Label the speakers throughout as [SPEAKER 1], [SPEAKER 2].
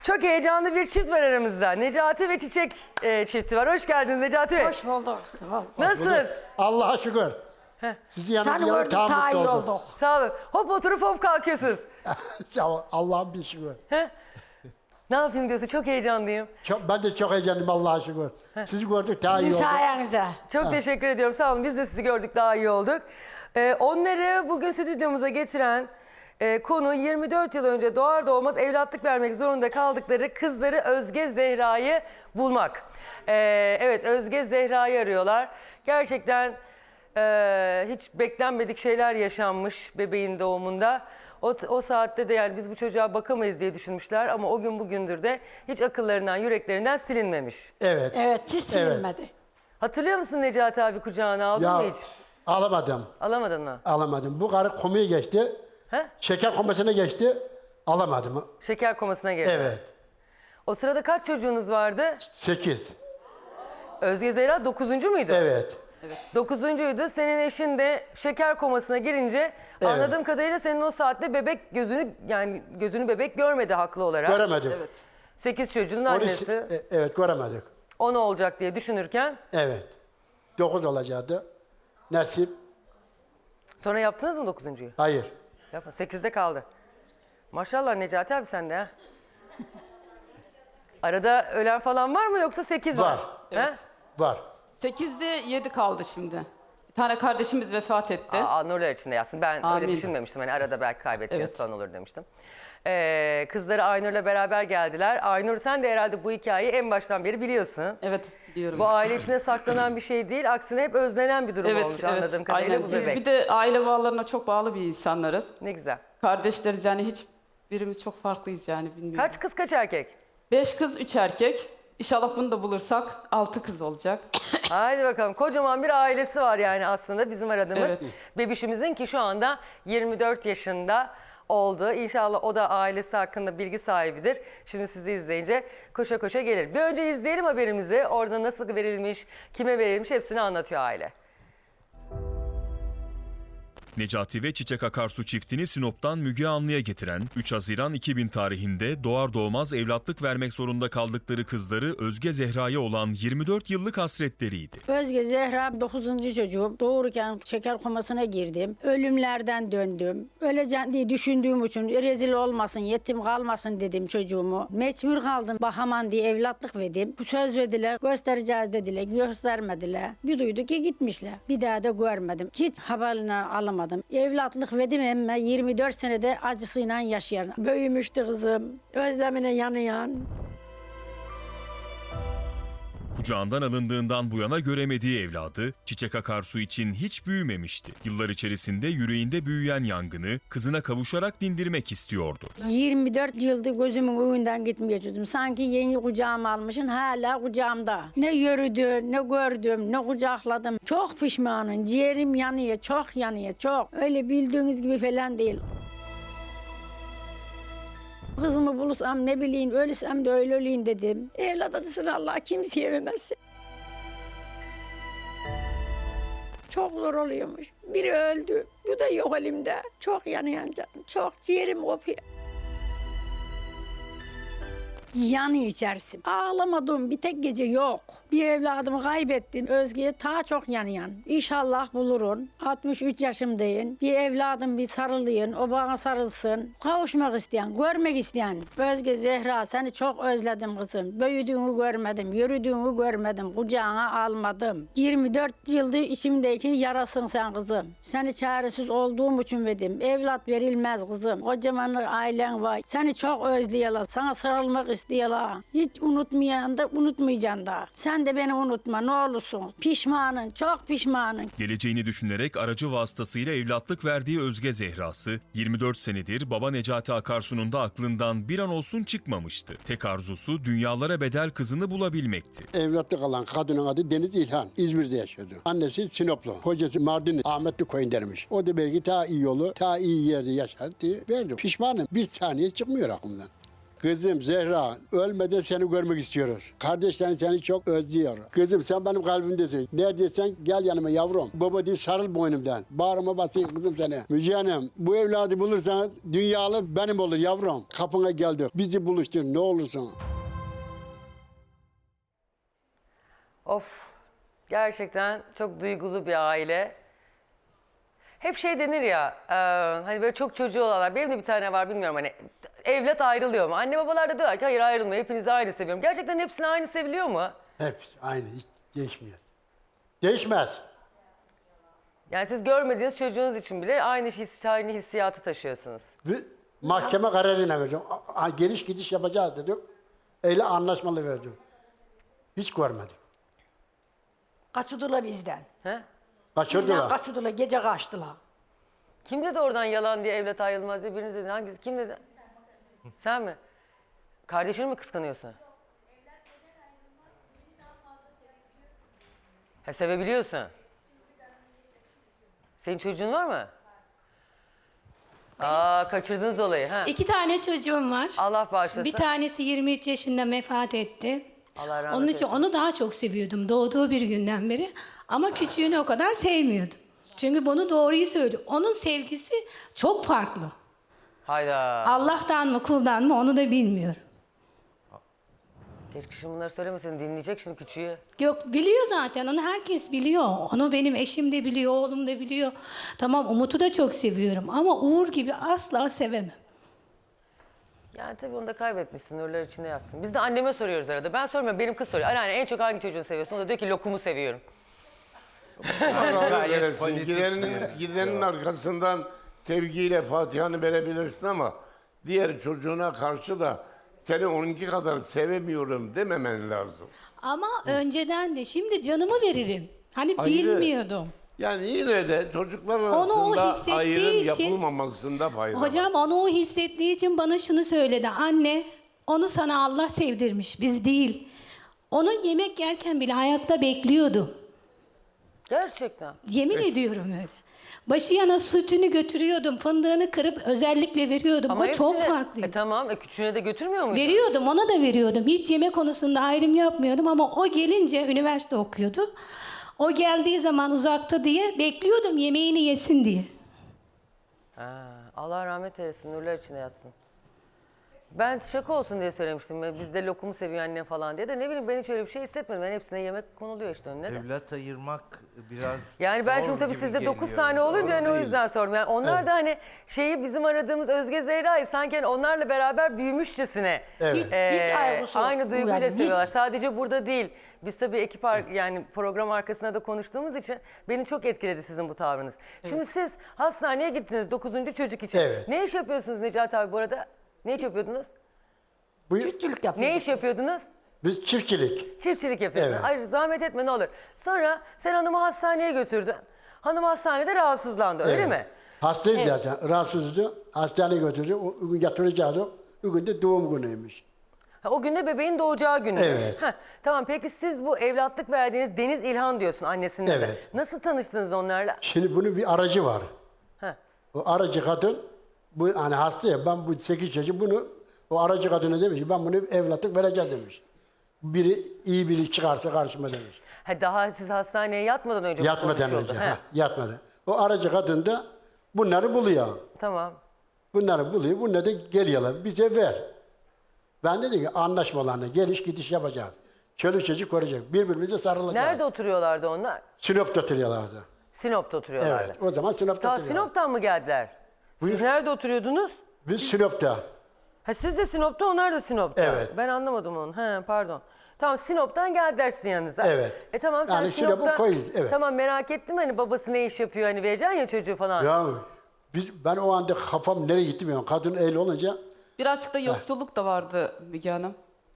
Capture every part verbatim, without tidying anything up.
[SPEAKER 1] Çok heyecanlı bir çift var aramızda. Necati ve Çiçek e, çifti var. Hoş geldin Necati Bey.
[SPEAKER 2] Hoş bulduk.
[SPEAKER 1] Nasılsın?
[SPEAKER 3] Allah'a şükür. Sizi yanınızda
[SPEAKER 2] Seni
[SPEAKER 3] yanıp
[SPEAKER 2] gördük
[SPEAKER 3] daha
[SPEAKER 2] daha iyi
[SPEAKER 3] mutlu oldum.
[SPEAKER 2] olduk.
[SPEAKER 1] Sağ olun. Hop oturup hop kalkıyorsunuz.
[SPEAKER 3] Sağ ol, Allah'ın bir şükür.
[SPEAKER 1] Ne yapayım diyorsun? Çok heyecanlıyım.
[SPEAKER 3] Çok, ben de çok heyecanlıyım Allah'a şükür. Sizi gördük daha iyi
[SPEAKER 2] Sizin
[SPEAKER 3] olduk.
[SPEAKER 2] sayenizde.
[SPEAKER 1] Çok teşekkür ediyorum. Sağ olun. Biz de sizi gördük. Daha iyi olduk. Ee, onları bugün stüdyomuza getiren e, konu yirmi dört yıl önce doğar doğmaz evlatlık vermek zorunda kaldıkları kızları Özge Zehra'yı bulmak. Ee, evet, Özge Zehra'yı arıyorlar. Gerçekten e, hiç beklenmedik şeyler yaşanmış bebeğin doğumunda. O, o saatte de yani biz bu çocuğa bakamayız diye düşünmüşler ama o gün bugündür de hiç akıllarından, yüreklerinden silinmemiş.
[SPEAKER 3] Evet.
[SPEAKER 2] Evet, hiç silinmedi.
[SPEAKER 1] Hatırlıyor musun Necati abi, kucağına aldın
[SPEAKER 3] Ya
[SPEAKER 1] mı hiç?
[SPEAKER 3] alamadım.
[SPEAKER 1] Alamadın mı?
[SPEAKER 3] Alamadım. Bu karı komuya geçti.
[SPEAKER 1] He?
[SPEAKER 3] Şeker komasına geçti. Alamadım.
[SPEAKER 1] Şeker komasına girdi.
[SPEAKER 3] Evet.
[SPEAKER 1] O sırada kaç çocuğunuz vardı?
[SPEAKER 3] Sekiz.
[SPEAKER 1] Özge Zehra dokuzuncu muydu?
[SPEAKER 3] Evet.
[SPEAKER 1] Dokuzuncuydu. Senin eşin de şeker komasına girince
[SPEAKER 3] Evet.
[SPEAKER 1] anladığım kadarıyla senin o saatte bebek gözünü yani gözünü bebek görmedi haklı olarak.
[SPEAKER 3] Göremedik.
[SPEAKER 1] Sekiz çocuğun
[SPEAKER 3] Onu-
[SPEAKER 1] annesi
[SPEAKER 3] e, evet göremedik.
[SPEAKER 1] on olacak diye düşünürken
[SPEAKER 3] Evet. Dokuz olacaktı. Nasip.
[SPEAKER 1] sonra yaptınız mı dokuzuncuyu?
[SPEAKER 3] Hayır.
[SPEAKER 1] Yapma. Sekizde kaldı. Maşallah Necati abi sende ha. Arada ölen falan var mı yoksa sekiz var?
[SPEAKER 3] Var.
[SPEAKER 1] He?
[SPEAKER 3] Var.
[SPEAKER 4] Sekizde yedi kaldı şimdi. Bir tane kardeşimiz vefat etti.
[SPEAKER 1] Aa, nurlar içinde yatsın. Ben öyle
[SPEAKER 4] Amin.
[SPEAKER 1] düşünmemiştim. Hani arada belki kaybettiğiniz
[SPEAKER 4] Evet.
[SPEAKER 1] falan olur demiştim. Ee, kızları Aynur'la beraber geldiler. Aynur sen de herhalde bu hikayeyi en baştan beri biliyorsun.
[SPEAKER 4] Evet biliyorum.
[SPEAKER 1] Bu aile içine saklanan bir şey değil. Aksine hep özlenen bir durum
[SPEAKER 4] evet,
[SPEAKER 1] olmuş
[SPEAKER 4] evet,
[SPEAKER 1] anladığım kadarıyla
[SPEAKER 4] aynen.
[SPEAKER 1] bu
[SPEAKER 4] Biz
[SPEAKER 1] bebek.
[SPEAKER 4] bir de aile bağlarına çok bağlı bir insanlarız.
[SPEAKER 1] Ne güzel.
[SPEAKER 4] Kardeşleriz yani hiç birimiz çok farklıyız yani bilmiyorum.
[SPEAKER 1] Kaç kız kaç erkek?
[SPEAKER 4] Beş kız, üç erkek. İnşallah bunu da bulursak altı kız olacak.
[SPEAKER 1] Haydi bakalım. Kocaman bir ailesi var yani aslında bizim aradığımız.
[SPEAKER 4] Evet.
[SPEAKER 1] Bebişimizin ki şu anda yirmi dört yaşında oldu. İnşallah o da ailesi hakkında bilgi sahibidir. Şimdi sizi izleyince koşa koşa gelir. Bir önce izleyelim haberimizi. Orada nasıl verilmiş, kime verilmiş hepsini anlatıyor aile.
[SPEAKER 5] Necati ve Çiçek Akarsu çiftini Sinop'tan Müge Anlı'ya getiren üç Haziran iki bin tarihinde doğar doğmaz evlatlık vermek zorunda kaldıkları kızları Özge Zehra'ya olan yirmi dört yıllık hasretleriydi.
[SPEAKER 2] Özge Zehra dokuzuncu çocuğum. Doğururken şeker komasına girdim. Ölümlerden döndüm. Öleceğim diye düşündüğüm için rezil olmasın, yetim kalmasın dedim çocuğumu. Mecbur kaldım. Bahaman diye evlatlık verdim. Bu söz verdiler, göstereceğiz dediler, göstermediler. Bir duydu ki gitmişler. Bir daha da görmedim. Hiç haberini alamadım. Evlatlık verdim ama yirmi dört senede acısıyla yaşayan. Büyümüştü kızım. Özlemine yanıyan.
[SPEAKER 5] Kucağından alındığından bu yana göremediği evladı Çiçek Akarsu için hiç büyümemişti. Yıllar içerisinde yüreğinde büyüyen yangını kızına kavuşarak dindirmek istiyordu.
[SPEAKER 2] yirmi dört yıldır gözümün önünden gitmeyeceğim. Sanki yeni kucağıma almışım, hala kucağımda. Ne yürüdüm, ne gördüm, ne kucakladım. Çok pişmanım, ciğerim yanıyor, çok yanıyor, çok. Öyle bildiğiniz gibi falan değil. Kızımı bulursam ne bileyim, ölürsem de öyle öleyim dedim. Evlat acısını Allah kimseye vermez. Çok zor oluyormuş. Biri öldü, bu da yok elimde. Çok yanıyor canım, çok ciğerim kopuyor. Yanıyor içerisi. Ağlamadığım bir tek gece yok. Bir evladımı kaybettim. Özge'ye daha çok yanıyan. İnşallah bulurun. altmış üç yaşımdayım. Bir evladım bir sarılayım. O bana sarılsın. Kavuşmak isteyen, görmek isteyen. Özge Zehra seni çok özledim kızım. Büyüdüğünü görmedim, yürüdüğünü görmedim. Kucağına almadım. yirmi dört yıldır içimdeki yarasın sen kızım. Seni çaresiz olduğum için verdim. Evlat verilmez kızım. Kocaman ailen var. Seni çok özlüyorlar. Sana sarılmak istiyorlar. Hiç unutmayan da unutmayacaksın da. Sen de beni unutma ne olursun. Pişmanın, çok pişmanın.
[SPEAKER 5] Geleceğini düşünerek aracı vasıtasıyla evlatlık verdiği Özge Zehra'sı yirmi dört senedir baba Necati Akarsu'nun da aklından bir an olsun çıkmamıştı. Tek arzusu dünyalara bedel kızını bulabilmekti.
[SPEAKER 3] Evlatlık alan kadının adı Deniz İlhan. İzmir'de yaşıyordu. Annesi Sinoplu. Kocası Mardinli. Ahmetli koyun dermiş. O da belki daha iyi yolu, daha iyi yerde yaşar diye verdim. Pişmanım. Bir saniye çıkmıyor aklımdan. Kızım Zehra, ölmeden seni görmek istiyoruz. Kardeşlerin seni çok özlüyor. Kızım sen benim kalbimdesin. Neredeysen gel yanıma yavrum. Baba değil sarıl boynumdan. Bağrıma basayım kızım seni. Müjde Hanım, bu evladı bulursan dünyalı benim olur yavrum. Kapına geldik. Bizi buluştur ne olursun.
[SPEAKER 1] Of, gerçekten çok duygulu bir aile. Hep şey denir ya, e, hani böyle çok çocuğu olanlar, benim de bir tane var bilmiyorum hani evlat ayrılıyor mu? Anne babalar da diyorlar ki hayır ayrılmıyor, hepinizi aynı seviyorum. Gerçekten hepsini aynı seviliyor mu?
[SPEAKER 3] Hep aynı, hiç değişmiyor. Değişmez.
[SPEAKER 1] Yani siz görmediğiniz çocuğunuz için bile aynı his, aynı hissiyatı taşıyorsunuz.
[SPEAKER 3] Bir mahkeme kararıyla verdim. A- a- Geliş gidiş yapacağız dedik. Öyle anlaşmalı verdim. Hiç görmedim.
[SPEAKER 2] Kaçırdılar bizden.
[SPEAKER 1] He?
[SPEAKER 2] Bizden
[SPEAKER 3] Kaçırdılar.
[SPEAKER 2] kaçırdılar, gece kaçtılar.
[SPEAKER 1] Kim dedi oradan yalan diye evlat ayrılmaz diye biriniz dedi. Hangisi? Kim dedi? Sen mi? Kardeşini mi kıskanıyorsun? Ha, sevebiliyorsun. Senin çocuğun var mı? Aa, kaçırdınız olayı. Ha.
[SPEAKER 6] İki tane çocuğum var.
[SPEAKER 1] Allah bağışlasın.
[SPEAKER 6] Bir tanesi yirmi üç yaşında vefat etti.
[SPEAKER 1] Allah rahmet
[SPEAKER 6] Onun için
[SPEAKER 1] eylesin.
[SPEAKER 6] onu daha çok seviyordum doğduğu bir günden beri. Ama küçüğünü o kadar sevmiyordum. Çünkü bunu doğruyu söylüyor. Onun sevgisi çok farklı.
[SPEAKER 1] Hayda.
[SPEAKER 6] Allah'tan mı kuldan mı onu da bilmiyorum.
[SPEAKER 1] Keşke şimdi bunları söylemeseydin. Dinleyecek şimdi küçüğü.
[SPEAKER 6] Yok biliyor zaten onu herkes biliyor. Onu benim eşim de biliyor, oğlum da biliyor. Tamam Umut'u da çok seviyorum ama Uğur gibi asla sevemem.
[SPEAKER 1] Yani tabii onu da kaybetmişsin. Nurlar içinde yatsın. Biz de anneme soruyoruz arada. Ben sormuyorum. Benim kız soruyor. Anneanne en çok hangi çocuğu seviyorsun? O da diyor ki lokumu seviyorum.
[SPEAKER 7] Verirsin. Gidenin, gidenin arkasından sevgiyle Fatiha'nı verebilirsin ama diğer çocuğuna karşı da seni onunki kadar sevemiyorum dememen lazım.
[SPEAKER 6] Ama önceden de şimdi canımı veririm. Hani
[SPEAKER 7] Ayrı.
[SPEAKER 6] bilmiyordum.
[SPEAKER 7] Yani yine de çocuklar
[SPEAKER 6] Onu o
[SPEAKER 7] arasında
[SPEAKER 6] hissettiği
[SPEAKER 7] ayrım
[SPEAKER 6] için-
[SPEAKER 7] yapılmamasında fayda var.
[SPEAKER 6] Hocam onu o hissettiği için bana şunu söyledi. Anne onu sana Allah sevdirmiş biz değil. Onu yemek yerken bile ayakta bekliyordu.
[SPEAKER 1] Gerçekten.
[SPEAKER 6] Yemin ediyorum öyle. Başı yana sütünü götürüyordum. Fındığını kırıp özellikle veriyordum. o çok
[SPEAKER 1] hepsine-
[SPEAKER 6] farklıydı.
[SPEAKER 1] E tamam. E küçüğüne de götürmüyor muydun?
[SPEAKER 6] Veriyordum ona da veriyordum. Hiç yemek konusunda ayrım yapmıyordum ama o gelince üniversite okuyordu. O geldiği zaman uzakta diye bekliyordum yemeğini yesin diye.
[SPEAKER 1] Ha, Allah rahmet eylesin. Nurlar içinde yatsın. Ben şaka olsun diye söylemiştim. E, Bizde lokumu seviyor annem falan diye de ne bileyim ben hiç öyle bir şey hissetmedim. Ben hepsine yemek konuluyor işte önüne de.
[SPEAKER 8] Evlat ayırmak biraz
[SPEAKER 1] Yani ben
[SPEAKER 8] zor
[SPEAKER 1] şimdi tabii
[SPEAKER 8] gibi
[SPEAKER 1] sizde dokuz
[SPEAKER 8] geliyor.
[SPEAKER 1] tane olunca hani o
[SPEAKER 8] Doğru
[SPEAKER 1] yüzden sordum. Yani onlar da hani şeyi bizim aradığımız Özge Zehra'yı sanki hani onlarla beraber büyümüşçesine
[SPEAKER 3] Evet.
[SPEAKER 1] e,
[SPEAKER 2] Hiç ayrısı yok.
[SPEAKER 1] aynı duyguyla
[SPEAKER 2] Yani hiç.
[SPEAKER 1] seviyorlar. Sadece burada değil. Biz tabii ekip ar- yani program arkasında da konuştuğumuz için beni çok etkiledi sizin bu tavrınız. Şimdi siz hastaneye gittiniz dokuzuncu çocuk için.
[SPEAKER 3] Evet.
[SPEAKER 1] Ne iş yapıyorsunuz Necati abi bu arada? Ne iş yapıyordunuz?
[SPEAKER 3] Bu,
[SPEAKER 2] Çiftçilik yapıyoruz.
[SPEAKER 1] Ne iş yapıyordunuz?
[SPEAKER 3] biz çiftçilik.
[SPEAKER 1] Çiftçilik yapıyordun.
[SPEAKER 3] Evet.
[SPEAKER 1] Hayır zahmet etme ne olur. Sonra sen hanımı hastaneye götürdün. Hanım hastanede rahatsızlandı öyle
[SPEAKER 3] Evet.
[SPEAKER 1] mi?
[SPEAKER 3] Hastayız
[SPEAKER 1] Evet.
[SPEAKER 3] zaten. Rahatsızdı. Hastaneye götürdü. O o gün yatıracağız. O gün de doğum günüymüş.
[SPEAKER 1] Ha, o günde bebeğin doğacağı gündür.
[SPEAKER 3] Evet.
[SPEAKER 1] Ha, tamam peki siz bu evlatlık verdiğiniz Deniz İlhan diyorsun annesinin adı.
[SPEAKER 3] Evet.
[SPEAKER 1] Nasıl tanıştınız onlarla?
[SPEAKER 3] Şimdi bunun bir aracı var.
[SPEAKER 1] Ha.
[SPEAKER 3] O aracı kadın, bu hani hasta ya, ben bu sekiz çocuk bunu, o aracı kadına demiş ki ben bunu evlatlık vereceğim demiş. Biri iyi biri çıkarsa karşıma demiş.
[SPEAKER 1] Ha, daha siz hastaneye yatmadan önce bu
[SPEAKER 3] Yatmadan
[SPEAKER 1] konuşuldu.
[SPEAKER 3] önce,
[SPEAKER 1] Ha,
[SPEAKER 3] ha, yatmadan. O aracı kadın da bunları buluyor.
[SPEAKER 1] Tamam.
[SPEAKER 3] Bunları buluyor, bunları da geliyorlar, bize ver. Ben dedim ki anlaşmalarına geliş gidiş yapacağız. Çoluk çocuk koruyacak, birbirimize sarılacağız.
[SPEAKER 1] Nerede oturuyorlardı onlar?
[SPEAKER 3] Sinop'ta oturuyorlardı.
[SPEAKER 1] Sinop'ta oturuyorlardı.
[SPEAKER 3] Evet, o zaman Sinop'ta
[SPEAKER 1] Ta
[SPEAKER 3] oturuyorlar.
[SPEAKER 1] Sinop'tan mı geldiler? Siz
[SPEAKER 3] Buyur.
[SPEAKER 1] nerede oturuyordunuz?
[SPEAKER 3] Biz Sinop'ta.
[SPEAKER 1] Ha siz de Sinop'ta, onlar da Sinop'ta.
[SPEAKER 3] Evet.
[SPEAKER 1] Ben anlamadım onu. He, pardon. Tamam Sinop'tan geldiler sizin yanınıza.
[SPEAKER 3] Evet.
[SPEAKER 1] E tamam sen
[SPEAKER 3] Yani Sinop'u
[SPEAKER 1] Sinop'tan...
[SPEAKER 3] koyuz, evet.
[SPEAKER 1] Tamam merak ettim hani babası ne iş yapıyor hani vereceksin ya çocuğu falan.
[SPEAKER 3] Ya biz, ben o anda kafam nereye gitti bilmiyorum. Kadın el olunca
[SPEAKER 4] Birazcık da yoksulluk da vardı Müge Hanım.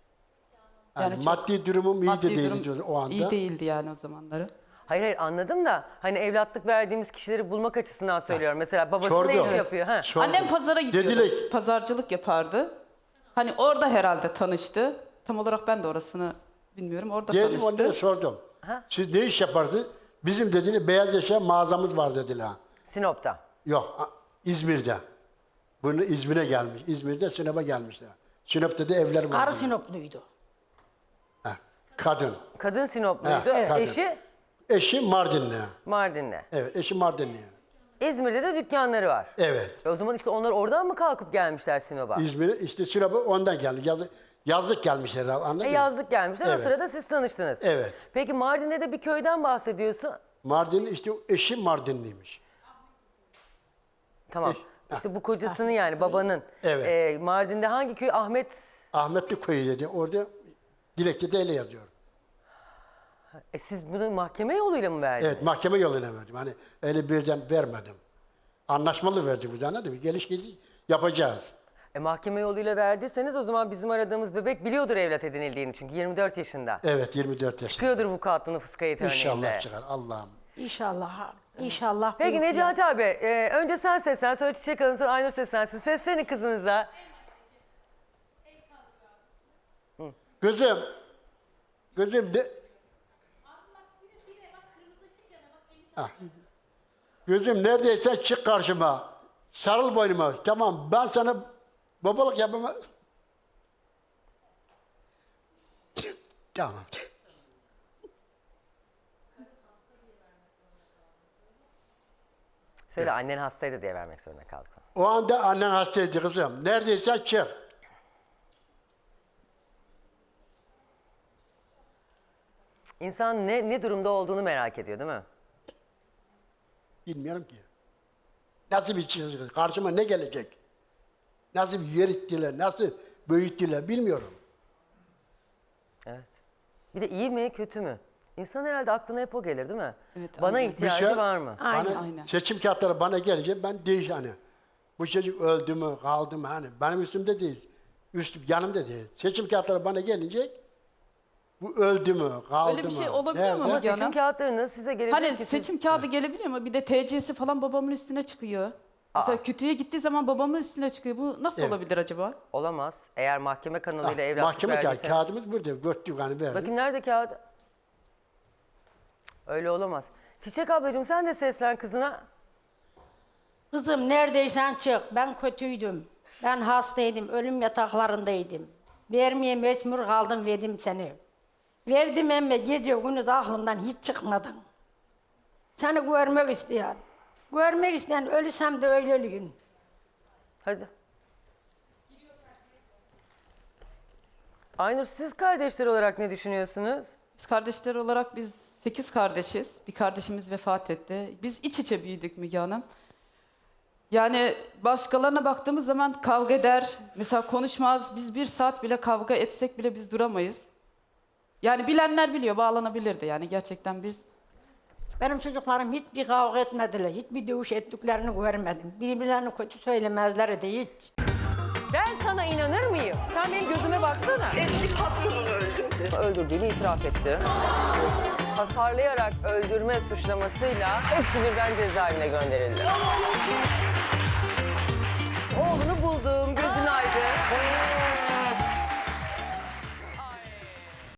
[SPEAKER 3] yani
[SPEAKER 4] Yani çok
[SPEAKER 3] maddi durumum iyi de
[SPEAKER 4] Maddi
[SPEAKER 3] değildi
[SPEAKER 4] durum
[SPEAKER 3] o anda.
[SPEAKER 4] İyi değildi yani o zamanları.
[SPEAKER 1] Hayır hayır anladım da hani evlatlık verdiğimiz kişileri bulmak açısından söylüyorum. Mesela babası
[SPEAKER 3] Sordum.
[SPEAKER 1] ne iş yapıyor? Ha.
[SPEAKER 3] Sordum.
[SPEAKER 4] Annem pazara gidiyordu.
[SPEAKER 3] Dediler,
[SPEAKER 4] Pazarcılık yapardı. Hani orada herhalde tanıştı. Tam olarak ben de orasını bilmiyorum. Orada
[SPEAKER 3] geldim
[SPEAKER 4] tanıştı.
[SPEAKER 3] onlara sordum.
[SPEAKER 1] Ha?
[SPEAKER 3] Siz ne iş yaparsınız? Bizim dediler beyaz eşya mağazamız var dediler.
[SPEAKER 1] Sinop'ta.
[SPEAKER 3] Yok a- İzmir'de. Bunu İzmir'e gelmiş. İzmir'de Sinop'a gelmişler. Sinop'ta da evler var.
[SPEAKER 2] Arı Sinopluydu.
[SPEAKER 3] Ha, kadın.
[SPEAKER 1] Kadın Sinopluydu.
[SPEAKER 3] Ha, kadın.
[SPEAKER 1] Eşi
[SPEAKER 3] Eşi Mardinli.
[SPEAKER 1] Mardinli.
[SPEAKER 3] Evet, eşi Mardinli.
[SPEAKER 1] İzmir'de de dükkanları var.
[SPEAKER 3] Evet.
[SPEAKER 1] E o zaman işte onlar oradan mı kalkıp gelmişler Sinop'a?
[SPEAKER 3] İzmir'e işte Sinop'a ondan geldi. Yazı, yazlık gelmişler anladın
[SPEAKER 1] E
[SPEAKER 3] mı?
[SPEAKER 1] yazlık gelmişler. O
[SPEAKER 3] Evet.
[SPEAKER 1] sırada siz tanıştınız.
[SPEAKER 3] Evet.
[SPEAKER 1] Peki Mardin'de de bir köyden bahsediyorsun.
[SPEAKER 3] Mardinli işte eşi Mardinliymiş.
[SPEAKER 1] Tamam. İşte bu kocasının yani babanın.
[SPEAKER 3] Evet.
[SPEAKER 1] E, Mardin'de hangi köy? Ahmet.
[SPEAKER 3] Ahmetli köyü dedi. Orada dilekçede öyle yazıyor.
[SPEAKER 1] E siz bunu mahkeme yoluyla mı verdiniz?
[SPEAKER 3] Evet, mahkeme yoluna verdim. Hani öyle birden vermedim. Anlaşmalı verdik biz anladın mı? Geliş geliş yapacağız.
[SPEAKER 1] E, mahkeme yoluyla verdiyseniz o zaman bizim aradığımız bebek biliyordur evlat edinildiğini çünkü yirmi dört yaşında.
[SPEAKER 3] Evet, yirmi dört yaşında.
[SPEAKER 1] Çıkıyordur vukuatlı nüfus kayıt örneğinde.
[SPEAKER 3] İnşallah çıkar Allah'ım.
[SPEAKER 2] İnşallah. İnşallah.
[SPEAKER 1] Peki
[SPEAKER 2] büyük
[SPEAKER 1] Necati abi, e, önce sen seslen, sonra Çiçek Hanım, sonra Aynur seslensin. Seslenin kızınızla.
[SPEAKER 3] Kızım, kızım de... Ah. Kızım neredeysen çık karşıma. Sarıl boynuma. Tamam ben sana babalık yapamam. Tamam.
[SPEAKER 1] Söyle annen hastaydı diye vermek zorunda kaldık.
[SPEAKER 3] O anda annen hastaydı kızım. Neredeysen çık.
[SPEAKER 1] İnsan ne, ne durumda olduğunu merak ediyor değil mi?
[SPEAKER 3] Bilmiyorum ki. Nasıl bir şey, karşıma ne gelecek? Nasıl bir yörettiler, nasıl büyüttüler bilmiyorum.
[SPEAKER 1] Evet. Bir de iyi mi, kötü mü? İnsan herhalde aklına hep o gelir değil mi?
[SPEAKER 4] Evet,
[SPEAKER 1] Bana
[SPEAKER 4] aynen.
[SPEAKER 1] ihtiyacı
[SPEAKER 3] Bir şey-
[SPEAKER 1] var mı?
[SPEAKER 2] Aynen.
[SPEAKER 3] Bana,
[SPEAKER 4] Aynen.
[SPEAKER 3] seçim kağıtları bana gelince ben değiş hani. Bu çocuk öldü mü, kaldı mı hani. Benim üstümde değil. Üstüm, yanımda değil. Seçim kağıtları bana gelince bu öldü mü, kaldı mı?
[SPEAKER 4] Öyle bir şey olabiliyor mu?
[SPEAKER 1] Ama
[SPEAKER 4] Müge
[SPEAKER 1] seçim
[SPEAKER 4] Hanım?
[SPEAKER 1] kağıtlarını size gelebilir
[SPEAKER 4] Hani
[SPEAKER 1] ki siz...
[SPEAKER 4] seçim kağıdı gelebiliyor mu? Bir de T C'si falan babamın üstüne çıkıyor. Mesela kütüğe gittiği zaman babamın üstüne çıkıyor. Bu nasıl
[SPEAKER 3] Evet.
[SPEAKER 4] olabilir acaba?
[SPEAKER 1] Olamaz. Eğer mahkeme kanalıyla
[SPEAKER 3] Ah,
[SPEAKER 1] evlatlık
[SPEAKER 3] mahkeme kağıdı,
[SPEAKER 1] verdiyseniz...
[SPEAKER 3] kağıdımız burada. Göttük hani verdik.
[SPEAKER 1] Bakayım nerede kağıt? Cık, öyle olamaz. Çiçek ablacığım sen de seslen kızına.
[SPEAKER 2] Kızım neredeysen çık. Ben kötüydüm. Ben hastaydım. Ölüm yataklarındaydım. Vermeye mecbur kaldım, verdim seni. Verdim ama gece gündüz aklımdan hiç çıkmadın. Seni görmek isteyen. Görmek isteyen ölürsem de öyle öleyim.
[SPEAKER 1] Hadi. Aynur siz kardeşler olarak ne düşünüyorsunuz?
[SPEAKER 4] Biz kardeşler olarak biz sekiz kardeşiz. Bir kardeşimiz vefat etti. Biz iç içe büyüdük Müge Hanım. Yani başkalarına baktığımız zaman kavga eder. Mesela konuşmaz. Biz bir saat bile kavga etsek bile biz duramayız. Yani bilenler biliyor, bağlanabilirdi yani gerçekten biz.
[SPEAKER 2] Benim çocuklarım hiçbir kavga etmediler. Hiçbir dövüş ettiklerini görmedim. Birbirlerini kötü söylemezler de hiç.
[SPEAKER 1] Ben sana inanır mıyım? Sen benim gözüme baksana.
[SPEAKER 9] Eski patronunu öldürdü.
[SPEAKER 1] Öldürdüğünü itiraf etti. Hasarlayarak öldürme suçlamasıyla hepsi birden cezaevine gönderildi. Oğlunu buldum,